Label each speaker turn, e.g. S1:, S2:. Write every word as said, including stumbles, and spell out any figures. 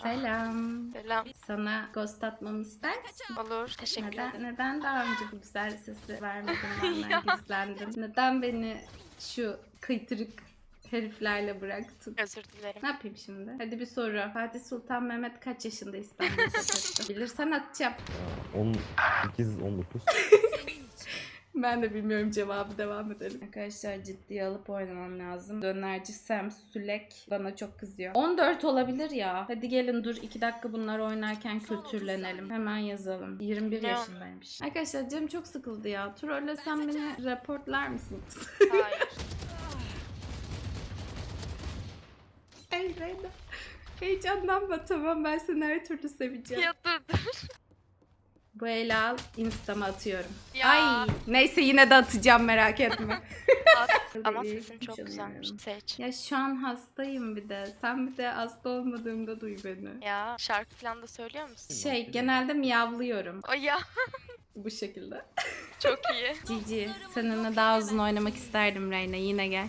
S1: Selam.
S2: Selam.
S1: Sana ghost atmamı ister misin?
S2: Olur. Teşekkür
S1: Neden,
S2: ederim.
S1: neden daha önce bu güzel sesi vermedin, benden
S2: Ya.
S1: gizlendin? Neden beni şu kıytırık heriflerle bıraktın?
S2: Özür dilerim.
S1: Ne yapayım şimdi? Hadi bir soru. Fatih Sultan Mehmet kaç yaşında İstanbul'da fethetti? Bilirsen atacağım.
S3: on sekiz on dokuz.
S1: Ben de bilmiyorum cevabı, devam edelim. Arkadaşlar ciddiye alıp oynamam lazım. Dönerci Sam Sülek bana çok kızıyor. on dört olabilir ya. Hadi gelin dur iki dakika bunlar oynarken kültürlenelim. Hemen yazalım. yirmi bir
S2: Ne o?
S1: yaşındaymış. Arkadaşlar canım çok sıkıldı ya. Trollesem beni reportlar mısınız?
S2: Hayır.
S1: Ey Reyna. Heyecanlanma, tamam, ben seni her türlü seveceğim.
S2: Ya dur dur.
S1: Bu eli al, insta'ma atıyorum.
S2: Ya.
S1: Ay neyse yine de atacağım, merak etme.
S2: At. Ama
S1: İyi,
S2: sesin çok
S1: canım.
S2: güzelmiş. Seç.
S1: Ya şu an hastayım bir de. Sen bir de hasta olmadığımda duy beni.
S2: Ya şarkı falan da söylüyor musun?
S1: Şey, genelde miyavlıyorum
S2: O ya.
S1: bu şekilde.
S2: Çok iyi.
S1: Cici, seninle daha uzun oynamak isterdim Reyna. Yine gel.